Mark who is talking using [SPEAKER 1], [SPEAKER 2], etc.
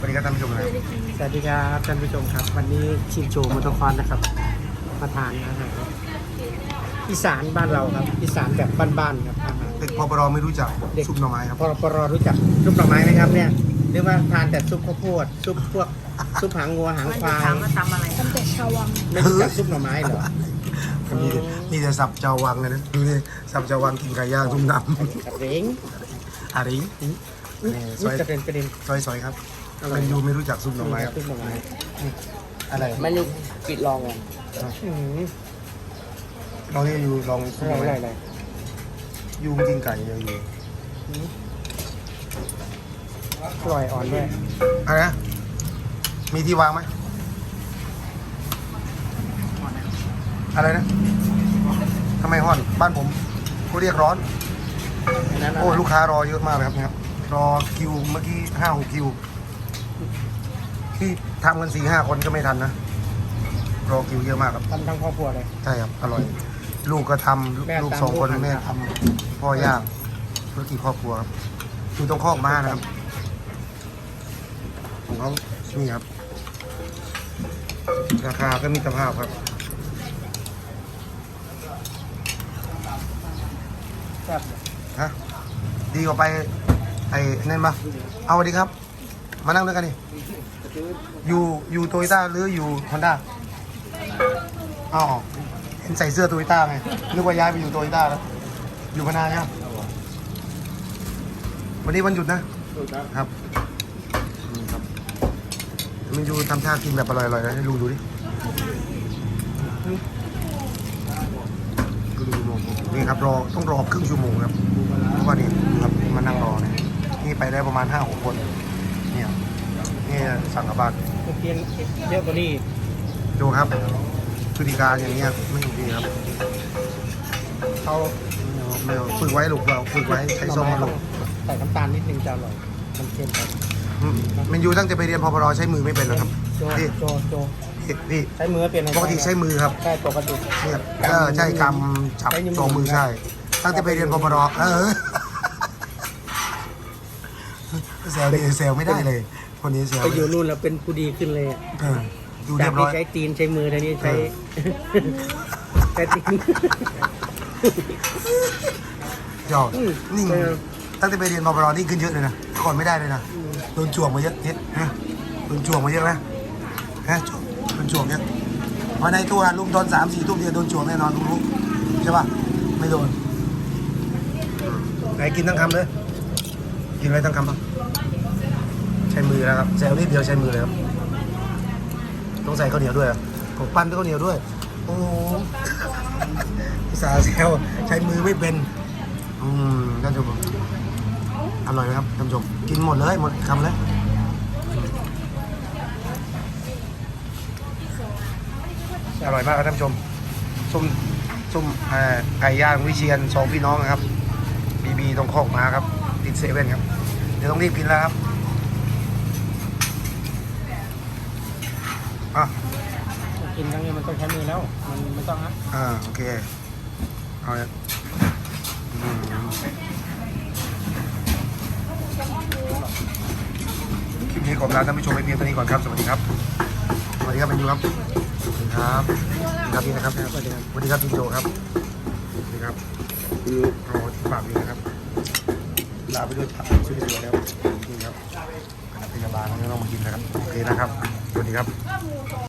[SPEAKER 1] สวัสดีครับท่านผู้ชมนะ
[SPEAKER 2] สวัสดีครับท่านผู้ชมครับวันนี้ชิมโชว์มอเตอร์คอนนะครับมาทานอาหารอีสานบ้านเราครับอีสานแบบบ้านๆครับอาหาร
[SPEAKER 1] เด็กพปรไม่รู้จักซุปหน่อไม้ครับ
[SPEAKER 2] ปรรู้จักซุปหน่อไม้ไหมครับเนี่ยหรือว่าทานแต่ซุปข้าวโพดซุปพวกซุปหางงัวหางควาย
[SPEAKER 3] ถามว่าทำอะไรทำแต่ชาววัง
[SPEAKER 2] ไม่รู้จักซุปหน่อไม้เหรอ
[SPEAKER 1] นี่จะสับเจ้าวังเลยนะดูนี่สับเจ้าวังกินไก่ย่างทุ่มน้ำ
[SPEAKER 2] กระเร้ง
[SPEAKER 1] อะไร
[SPEAKER 2] ซอยกระเด็นประเด็น
[SPEAKER 1] ซอยครับมันยูไม่รู้จักซุปหน่อไม้ครับ
[SPEAKER 2] ซุปหน่อไม้
[SPEAKER 1] อะไร
[SPEAKER 3] มันอยู่ปิดลองอ่ะ
[SPEAKER 1] ลองนี่ยูลองซุปหน่อไม้
[SPEAKER 2] อะไร
[SPEAKER 1] ยูมันกินไก่ยู
[SPEAKER 2] กล้วยอ่อนด้วย
[SPEAKER 1] อะไรนะมีที่วางไหมอะไรนะทำไมห้อนบ้านผมเขาเรียกร้อน
[SPEAKER 2] นั้น
[SPEAKER 1] โอ้ลูกค้ารอเยอะมากเลยครับเนี่ยรอคิวเมื่อกี้5-6 คิวที่ทำกัน4-5 คนก็ไม่ทันนะรอคิวเยอะมากครับ
[SPEAKER 2] ทำทั้งครอบครัวเลย
[SPEAKER 1] ใช่ครับอร่อย ลูกก็ทำ
[SPEAKER 2] แม่
[SPEAKER 1] ลูก
[SPEAKER 2] ทำ
[SPEAKER 1] 2 คน
[SPEAKER 2] ลูกทำ
[SPEAKER 1] แม่ทำพ่อย่างธุรกิจครอบครัวครับอยู่ตรงคอกม้านะครับของเขานี่ครับ ราคาก็มีสภาพครับ
[SPEAKER 2] ครับ
[SPEAKER 1] ฮะดีกว่าไปไอ้นั่นปะเอาสวัสดีครับ มานั่งด้วยกันดิอยู่โตโยต้าหรืออยู่ฮอนด้าอ๋อเห็นใส่เสื้อโตโยต้าไงนึกว่าย้ายไปอยู่โตโยต้าแล้วอยู่พนาใช่ไหมวันนี้วันหยุดนะครับนี่ครับมันอยู่ทำท่ากินแบบอร่อยๆนะให้ลุงดูดินี่ครับต้องรอครึ่งชั่วโมงครับเพราะว่านี่ครับมานั่งรอเนี่ยนี่ไปได้ประมาณ5-6 คนเนี่ยนี่สั่งกลับบ้าน
[SPEAKER 2] เพียงเยอะกว่านี้
[SPEAKER 1] ดูครับพฤติการอย่างนี้ยไม่โอเคครับ
[SPEAKER 2] เขา
[SPEAKER 1] ไม่เอาฝึกไว้ลูกเราฝึกไว้ใช้ส้มลูก
[SPEAKER 2] ใส่น้ำตาลนิดนึงจะอร่อยมันเค็มไป
[SPEAKER 1] มันอยู่ตั้งแต่ไปเรียนพปรใช้มือไม่เป็นหรอกครับ
[SPEAKER 2] โจ
[SPEAKER 1] พี่
[SPEAKER 2] โจ
[SPEAKER 1] พี่
[SPEAKER 2] ใช้มือเปลี่ยน
[SPEAKER 1] ปกติใช้มือครับ
[SPEAKER 2] ใช่ปกติ
[SPEAKER 1] เนี่ยใช่กำจับสองมือใช่ ตั้งแต่ไปเรียนพปรแซวเลยแซวไม่ได้เลย คนนี้แซว
[SPEAKER 2] ไปอยู่นู่นแล้วเป็นผู้ดีขึ้นเลย
[SPEAKER 1] ดู
[SPEAKER 2] จา
[SPEAKER 1] เรี
[SPEAKER 2] ก
[SPEAKER 1] ยบร้
[SPEAKER 2] ที่
[SPEAKER 1] อย
[SPEAKER 2] ใช้ตีนใช้มือตอนนี้ใช้ใช้ตีน
[SPEAKER 1] จอดนิ่งตั้งแต่ไปเรียนพปรนี่ขึ้นเยอะเลยนะก่อนไม่ได้เลยนะโดนจ่วงมาเยอะเนี่ยโดนจ่วงมาเยอะนะโดนจ่วงเยอะมาในตัวลุงตอน3-4 ทุ่มเนี่ยโดนจ่วงแน่นอนลุงรู้ใช่ป่ะไม่โดนไหนกินทั้งคำเลยกินไว้ทั้งคำป่ะใช้มือแล้วครับแซวนิดเดียวใช้มือเลยครับต้องใส่ข้าวเหนียวด้วยผมปั้นด้วยข้าวเหนียวด้วยโอ้สาแซวใช้มือไม่เป็นท่านผู้ชมอร่อยไหมครับท่านผู้ชมกินหมดเลยหมดคำเลยอร่อยมากครับท่านผู้ชมส้มไก่ย่างวิเชียร2 พี่น้องนะครับบีตรงคอกม้าครับติดเซเว่นครับเดี๋ยวต้องรีบกินแล้วครับอ่ะ
[SPEAKER 2] กินครั้งนี้มันต้องใช้มือแล้วมันไม่ต้องนะ
[SPEAKER 1] โอเคเอาเลยคลิปนี้ขอลาท่านผู้ชมไปเพียงเท่านี้ก่อนครับสวัสดีครับสวัสดีครับเป็นยูครับสวัสดีครับสวัสดีครับพี่นะครับสวัสดีครับสวัสดีครับพี่โจครับสวัสดีครับคือรอฝากดีนะครับลาไปด้วยผักช่วยเหลือแล้วจริงครับคณะพยาบาลก็ต้องมากินนะครับโอเคนะครับสวัสดีครับ